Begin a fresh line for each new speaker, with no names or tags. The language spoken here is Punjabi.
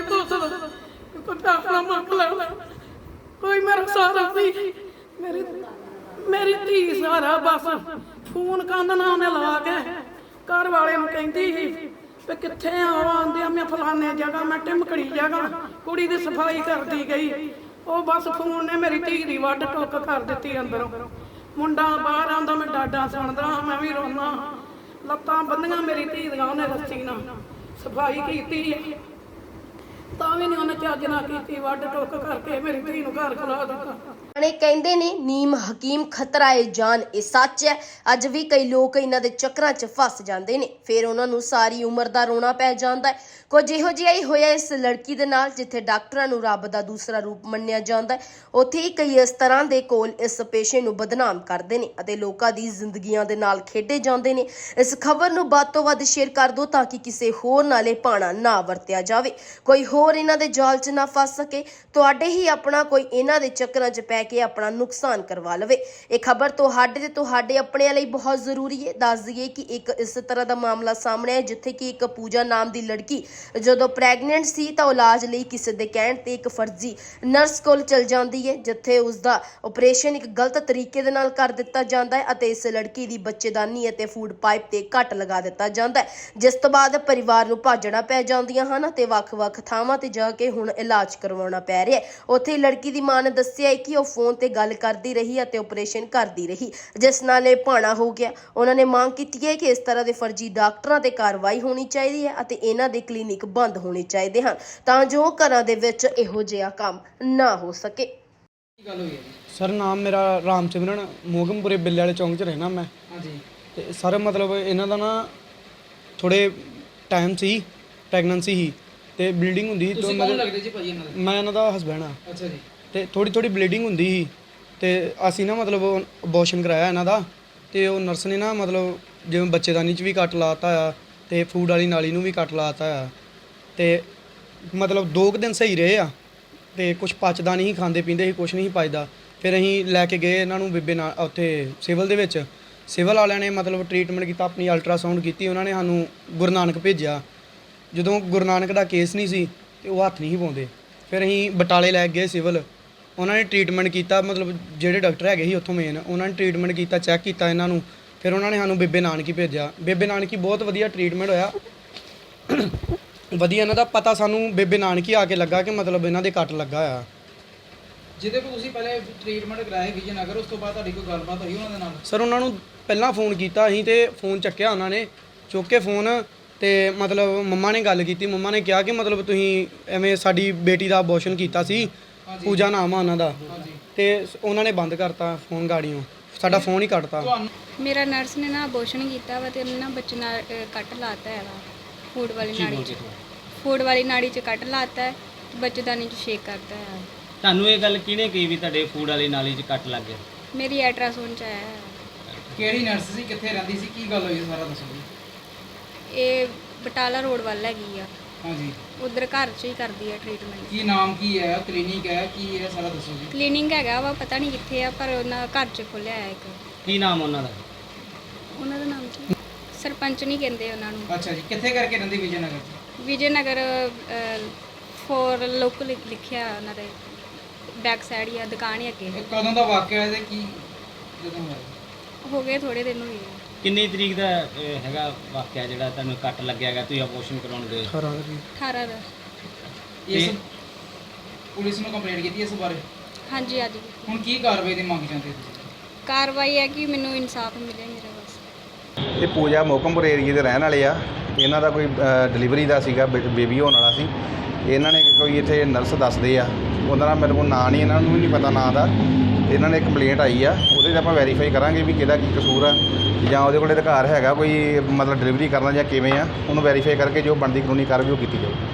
नहीं पुछदा कोई पैसा मंग लै कोई मेरा सारा नहीं मेरी मेरी धी सारा बस फोन कंध ना उन्हें ला के घर वाले कहती ही भी कित्थे आंदे मैं फलाने जगह मैं टिमकड़ी जगह कुड़ी दी सफाई करती गई वो बस फोन ने मेरी धी दी वड्ड टुक कर दी अंदरों मुंडा बाहर आंदा मैं डाडा सुनदा मैं भी रोना लत्तां बंदियां मेरी धी दियां उन्हें रस्सी नाल सफाई कीती तां भी नहीं उन्हें चज ना कीती वड्ड टुक करके मेरी धी नूं घर खला दित्ता।
ਨੇ ਕਹਿੰਦੇ ਨੇ ਨੀਮ ਹਕੀਮ ਖਤਰਾ ਏ ਜਾਨ ਇਹ ਸੱਚ ਹੈ। ਅੱਜ ਵੀ ਕਈ ਲੋਕ ਇਹਨਾਂ ਦੇ ਚੱਕਰਾਂ 'ਚ ਫਸ ਜਾਂਦੇ ਨੇ ਫਿਰ ਉਹਨਾਂ ਨੂੰ ਸਾਰੀ ਉਮਰ ਦਾ ਰੋਣਾ ਪੈ ਜਾਂਦਾ ਹੈ। ਕੁਝ ਇਹੋ ਜਿਹਾ ਹੀ ਹੋਇਆ ਇਸ ਲੜਕੀ ਦੇ ਨਾਲ ਜਿੱਥੇ ਡਾਕਟਰਾਂ ਨੂੰ ਰੱਬ ਦਾ ਦੂਸਰਾ ਰੂਪ ਮੰਨਿਆ ਜਾਂਦਾ ਹੈ ਉੱਥੇ ਹੀ ਕਈ ਇਸ ਤਰ੍ਹਾਂ ਦੇ ਕੋਲ ਇਸ ਪੇਸ਼ੇ ਨੂੰ ਬਦਨਾਮ ਕਰਦੇ ਨੇ ਅਤੇ ਲੋਕਾਂ ਦੀ ਜ਼ਿੰਦਗੀਆਂ ਦੇ ਨਾਲ ਖੇਡੇ ਜਾਂਦੇ ਨੇ। ਇਸ ਖਬਰ ਨੂੰ ਵੱਧ ਤੋਂ ਵੱਧ ਸ਼ੇਅਰ ਕਰ ਦਿਓ ਤਾਂ ਕਿ ਕਿਸੇ ਹੋਰ ਨਾਲੇ ਭਾਣਾ ਨਾ ਵਰਤਿਆ ਜਾਵੇ ਕੋਈ ਹੋਰ ਇਹਨਾਂ ਦੇ ਜਾਲ 'ਚ ਨਾ ਫਸ ਸਕੇ ਤੁਹਾਡੇ ਹੀ ਆਪਣਾ ਕੋਈ ਇਹਨਾਂ ਦੇ ਚੱਕਰਾਂ 'ਚ ਪੈ ਕੇ ਆਪਣਾ ਨੁਕਸਾਨ ਕਰਵਾ ਲਵੇ। ਇਹ ਖਬਰ ਤੁਹਾਡੇ ਆਪਣੇ ਲਈ ਬਹੁਤ ਜ਼ਰੂਰੀ ਹੈ। ਦੱਸ ਦਈਏ ਕਿ ਇੱਕ ਇਸ ਤਰ੍ਹਾਂ ਦਾ ਮਾਮਲਾ ਸਾਹਮਣੇ ਆਇਆ ਜਿੱਥੇ ਕਿ ਇੱਕ ਪੂਜਾ ਨਾਮ ਦੀ ਲੜਕੀ ਜਦੋਂ ਪ੍ਰੈਗਨੈਂਟ ਸੀ ਤਾਂ ਇਲਾਜ ਲਈ ਕਿਸੇ ਦੇ ਕਹਿਣ ਤੇ ਇੱਕ ਫਰਜ਼ੀ ਨਰਸ ਕੋਲ ਚਲ ਜਾਂਦੀ ਹੈ ਜਿੱਥੇ ਉਸ ਦਾ ਆਪਰੇਸ਼ਨ ਇੱਕ ਗਲਤ ਤਰੀਕੇ ਦੇ ਨਾਲ ਕਰ ਦਿੱਤਾ ਜਾਂਦਾ ਹੈ ਅਤੇ ਇਸ ਲੜਕੀ ਦੀ ਬੱਚੇਦਾਨੀ ਅਤੇ ਫੂਡ ਪਾਈਪ ਤੇ ਕੱਟ ਲਗਾ ਦਿੱਤਾ ਜਾਂਦਾ ਹੈ ਜਿਸ ਤੋਂ ਬਾਅਦ ਪਰਿਵਾਰ ਨੂੰ ਭਾਜਣਾ ਪੈ ਜਾਂਦੀਆਂ ਹਨ ਤੇ ਵੱਖ-ਵੱਖ ਥਾਵਾਂ ਤੇ ਜਾ ਕੇ ਹੁਣ ਇਲਾਜ ਕਰਵਾਉਣਾ ਪੈ ਰਿਹਾ ਹੈ। ਉੱਥੇ ਲੜਕੀ ਦੀ ਮਾਂ ਨੇ ਦੱਸਿਆ ਕਿ ਉਹ ਫੋਨ ਤੇ ਗੱਲ ਕਰਦੀ ਰਹੀ ਅਤੇ ਆਪਰੇਸ਼ਨ ਕਰਦੀ ਰਹੀ ਜਿਸ ਨਾਲ ਇਹ ਭਾਣਾ ਹੋ ਗਿਆ। ਉਹਨਾਂ ਨੇ ਮੰਗ ਕੀਤੀ ਹੈ ਕਿ ਇਸ ਤਰ੍ਹਾਂ ਦੇ ਫਰਜ਼ੀ ਡਾਕਟਰਾਂ ਤੇ ਕਾਰਵਾਈ ਹੋਣੀ ਚਾਹੀਦੀ ਹੈ ਅਤੇ ਇਹਨਾਂ ਦੇ ਕਲੀਨਿਕ ਬੰਦ ਹੋਣੇ ਚਾਹੀਦੇ ਹਨ ਤਾਂ ਜੋ ਘਰਾਂ ਦੇ ਵਿੱਚ ਇਹੋ ਜਿਹਾ ਕੰਮ ਨਾ ਹੋ ਸਕੇ।
ਕੀ ਗੱਲ ਹੋਈ ਹੈ ਜੀ?
ਸਰ ਨਾਮ ਮੇਰਾ ਰਾਮ ਸਿਮਰਨ ਮੋਗਮਪੁਰੇ ਬਿੱਲੇ ਵਾਲੇ ਚੌਂਕ 'ਚ ਰਹਿਣਾ ਮੈਂ।
ਹਾਂਜੀ।
ਤੇ ਸਰ ਮਤਲਬ ਇਹਨਾਂ ਦਾ ਨਾ ਥੋੜੇ ਟਾਈਮ ਸੀ ਪ੍ਰੈਗਨੈਂਸੀ ਸੀ ਤੇ ਬਲੀਡਿੰਗ ਹੁੰਦੀ ਸੀ
ਤੁਸੀਂ ਕੌਣ ਲੱਗਦੇ ਜੀ ਭਾਈ ਇਹਨਾਂ ਦੇ?
ਮੈਂ ਇਹਨਾਂ ਦਾ ਹਸਬੈਂਡ ਆ।
ਅੱਛਾ ਜੀ।
ਤੇ ਥੋੜੀ ਬਲੀਡਿੰਗ ਹੁੰਦੀ ਸੀ ਤੇ ਅਸੀਂ ਨਾ ਮਤਲਬ ਅਬੋਰਸ਼ਨ ਕਰਾਇਆ ਇਹਨਾਂ ਦਾ ਤੇ ਉਹ ਨਰਸ ਨੇ ਨਾ ਮਤਲਬ ਜਿਵੇਂ ਬੱਚੇਦਾਨੀ 'ਚ ਵੀ ਕੱਟ ਲਾਤਾ ਆ ਤੇ ਫੂਡ ਵਾਲੀ ਨਾਲੀ ਨੂੰ ਵੀ ਕੱਟ ਲਾਤਾ ਆ ਤੇ ਮਤਲਬ 2 ਦਿਨ ਸਹੀ ਰਹੇ ਆ ਤੇ ਕੁਝ ਪਚਦਾ ਨਹੀਂ ਖਾਂਦੇ ਪੀਂਦੇ ਸੀ ਕੁਝ ਨਹੀਂ ਪਚਦਾ। ਫਿਰ ਅਸੀਂ ਲੈ ਕੇ ਗਏ ਇਹਨਾਂ ਨੂੰ ਬੇਬੇ ਨਾਲ ਉੱਥੇ ਸਿਵਲ ਦੇ ਵਿੱਚ ਸਿਵਲ ਵਾਲਿਆਂ ਨੇ ਮਤਲਬ ਟ੍ਰੀਟਮੈਂਟ ਕੀਤਾ ਆਪਣੀ ਅਲਟਰਾਸਾਊਂਡ ਕੀਤੀ ਉਹਨਾਂ ਨੇ ਸਾਨੂੰ ਗੁਰੂ ਨਾਨਕ ਭੇਜਿਆ। ਜਦੋਂ ਗੁਰੂ ਨਾਨਕ ਦਾ ਕੇਸ ਨਹੀਂ ਸੀ ਤੇ ਉਹ ਹੱਥ ਨਹੀਂ ਸੀ ਪਾਉਂਦੇ ਫਿਰ ਅਸੀਂ ਬਟਾਲੇ ਲੈ ਗਏ ਸਿਵਲ ਉਹਨਾਂ ਨੇ ਟ੍ਰੀਟਮੈਂਟ ਕੀਤਾ ਮਤਲਬ ਜਿਹੜੇ ਡਾਕਟਰ ਹੈਗੇ ਸੀ ਉੱਥੋਂ ਮੇਨ ਉਹਨਾਂ ਨੇ ਟ੍ਰੀਟਮੈਂਟ ਕੀਤਾ ਚੈੱਕ ਕੀਤਾ ਇਹਨਾਂ ਨੂੰ ਫਿਰ ਉਹਨਾਂ ਨੇ ਸਾਨੂੰ ਬੇਬੇ ਨਾਨਕੀ ਭੇਜਿਆ। ਬੇਬੇ ਨਾਨਕੀ ਬਹੁਤ ਵਧੀਆ ਟ੍ਰੀਟਮੈਂਟ ਹੋਇਆ ਵਧੀਆ ਇਹਨਾਂ ਦਾ ਪਤਾ ਸਾਨੂੰ ਬੇਬੇ ਨਾਨਕੀ ਆ ਕੇ ਲੱਗਾ ਕਿ ਮਤਲਬ ਇਹਨਾਂ ਦੇ ਕੱਟ ਲੱਗਾ ਆ।
ਜਿਹਦੇ ਕੋਲ ਤੁਸੀਂ ਪਹਿਲੇ ਟ੍ਰੀਟਮੈਂਟ ਕਰਾਇਆ ਵਿਜੇਨਗਰ ਉਸ ਤੋਂ ਬਾਅਦ ਤੁਹਾਡੀ ਕੋਈ ਗੱਲਬਾਤ ਹੋਈ ਉਹਨਾਂ ਦੇ ਨਾਲ?
ਸਰ ਉਹਨਾਂ ਨੂੰ ਪਹਿਲਾਂ ਫੋਨ ਕੀਤਾ ਅਸੀਂ ਤੇ ਫੋਨ ਚੱਕਿਆ ਉਹਨਾਂ ਨੇ ਚੁੱਕ ਕੇ ਫੋਨ ਤੇ ਮਤਲਬ ਮੰਮਾ ਨੇ ਗੱਲ ਕੀਤੀ ਮੰਮਾ ਨੇ ਕਿਹਾ ਕਿ ਮਤਲਬ ਤੁਸੀਂ ਐਵੇਂ ਸਾਡੀ ਬੇਟੀ ਦਾ ਅਬੋਰਸ਼ਨ ਕੀਤਾ ਸੀ ਪੂਜਾ ਨਾਮ ਆ ਉਹਨਾਂ ਦਾ ਤੇ ਉਹਨਾਂ ਨੇ ਬੰਦ ਕਰਤਾ ਫੋਨ ਗਾੜੀਆਂ ਸਾਡਾ ਫੋਨ ਹੀ ਕੱਟਤਾ।
ਮੇਰਾ ਨਰਸ ਨੇ ਨਾ ਅਬੋਰਸ਼ਨ ਕੀਤਾ ਵਾ ਤੇ ਉਹਨੇ ਨਾ ਬੱਚੇ ਨਾਲ ਕੱਟ ਲਾਤਾ ਹੈ ਵਾ ਫੂਡ ਵਾਲੀ ਨਾੜੀ 'ਚ ਕੱਟ ਲਾਤਾ ਹੈ ਬੱਚੇਦਾਨੀ 'ਚ ਸ਼ੇਕ ਕਰਦਾ ਹੈ।
ਤੁਹਾਨੂੰ ਇਹ ਗੱਲ ਕਿਹਨੇ ਕਹੀ ਵੀ ਤੁਹਾਡੇ ਫੂਡ ਵਾਲੀ ਨਾਲੀ 'ਚ ਕੱਟ ਲੱਗ ਗਿਆ?
ਮੇਰੀ ਅਲਟਰਾਸਾਊਂਡ 'ਚ ਆਇਆ ਹੈ।
ਕਿਹੜੀ ਨਰਸ ਸੀ ਕਿੱਥੇ ਰਹਿੰਦੀ ਸੀ ਕੀ ਗੱਲ ਹੋਈ ਹੈ ਸਾਰਾ ਦੱਸੋ ਜੀ।
ਇਹ ਬਟਾਲਾ ਰੋਡ ਵੱਲ ਹੈਗੀ ਆ।
ਹਾਂਜੀ।
ਉਧਰ ਘਰ 'ਚ ਹੀ ਕਰਦੀ ਹੈ ਟ੍ਰੀਟਮੈਂਟ।
ਕੀ ਨਾਮ ਕੀ ਹੈ ਕਲੀਨਿਕ ਹੈ ਕੀ ਹੈ ਸਾਰਾ ਦੱਸੋ ਜੀ।
ਕਲੀਨਿਕ ਹੈਗਾ ਵਾ ਪਤਾ ਨਹੀਂ ਕਿੱਥੇ ਆ ਪਰ ਉਹਨਾਂ ਘਰ 'ਚ ਖੋਲਿਆ ਹੈ ਇੱਕ।
ਕੀ ਨਾਮ ਉਹਨਾਂ ਦਾ
ਨਾਮ ਕੀ ਸਰਪੰਚ ਨਹੀਂ ਕਹਿੰਦੇ ਉਹਨਾਂ ਨੂੰ।
ਅੱਛਾ ਜੀ। ਕਿੱਥੇ ਕਰਕੇ ਰਹਿੰਦੀ ਵਿਜੇਨਗਰ 'ਚ?
ਵਿਜੇਨਗਰ ਫੋਰ ਲੋਕਲ ਲਿਖਿਆ ਉਹਨਾਂ ਦੇ ਬੈਕ ਸਾਈਡ ਹੀ ਆ ਦੁਕਾਨ ਹੀ ਅੱਗੇ।
ਇਹ ਕਦੋਂ ਦਾ ਵਾਕਿਆ ਹੈ ਤੇ ਕੀ ਜਦੋਂ ਹੋਇਆ?
ਹੋ ਗਏ ਥੋੜੇ ਦਿਨ ਹੋਏ ਆ।
ਕਿੰਨੀ ਤਰੀਕ ਦਾ ਹੈਗਾ ਵਾਕਿਆ ਜਿਹੜਾ ਤੁਹਾਨੂੰ ਕੱਟ ਲੱਗਿਆ ਹੈਗਾ ਤੁਸੀਂ ਅਬੋਰਸ਼ਨ ਕਰਾਉਣ ਗਏ?
18 ਦਾ।
ਇਸ ਪੁਲਿਸ ਨੂੰ ਕੰਪਲੇਂਟ ਕੀਤੀ ਇਸ ਬਾਰੇ?
ਹਾਂਜੀ ਅੱਜ
ਹੁਣ ਕੀ ਕਾਰਵਾਈ ਦੀ ਮੰਗ ਚਾਹੁੰਦੇ ਤੁਸੀਂ?
ਕਾਰਵਾਈ ਹੈ ਕਿ ਮੈਨੂੰ ਇਨਸਾਫ ਮਿਲੇ ਮੇਰਾ ਬਸ।
ਇਹ ਪੂਜਾ ਮੋਕਮਪੁਰ ਏਰੀਏ ਦੇ ਰਹਿਣ ਵਾਲੇ ਆ। ਇਹਨਾਂ ਦਾ ਕੋਈ ਡਿਲੀਵਰੀ ਦਾ ਸੀਗਾ ਬੇਬੀ ਹੋਣ ਵਾਲਾ ਸੀ। ਇਹਨਾਂ ਨੇ ਕੋਈ ਇੱਥੇ ਨਰਸ ਦੱਸਦੇ ਆ ਉਹਨਾਂ ਦਾ ਮੇਰੇ ਕੋਲ ਨਾਂ ਨਹੀਂ ਇਹਨਾਂ ਨੂੰ ਵੀ ਨਹੀਂ ਪਤਾ ਨਾਂ ਦਾ। ਇਹਨਾਂ ਨੇ ਕੰਪਲੇਂਟ ਆਈ ਆ ਉਹਦੇ 'ਚ ਆਪਾਂ ਵੈਰੀਫਾਈ ਕਰਾਂਗੇ ਵੀ ਕਿਹਦਾ ਕੀ ਕਸੂਰ ਆ ਜਾਂ ਉਹਦੇ ਕੋਲ ਅਧਿਕਾਰ ਹੈਗਾ ਕੋਈ ਮਤਲਬ ਡਿਲੀਵਰੀ ਕਰਨਾ ਜਾਂ ਕਿਵੇਂ ਆ ਉਹਨੂੰ ਵੈਰੀਫਾਈ ਕਰਕੇ ਜੋ ਬਣਦੀ ਕਾਨੂੰਨੀ ਕਾਰਵਾਈ ਉਹ ਕੀਤੀ ਜਾਊ।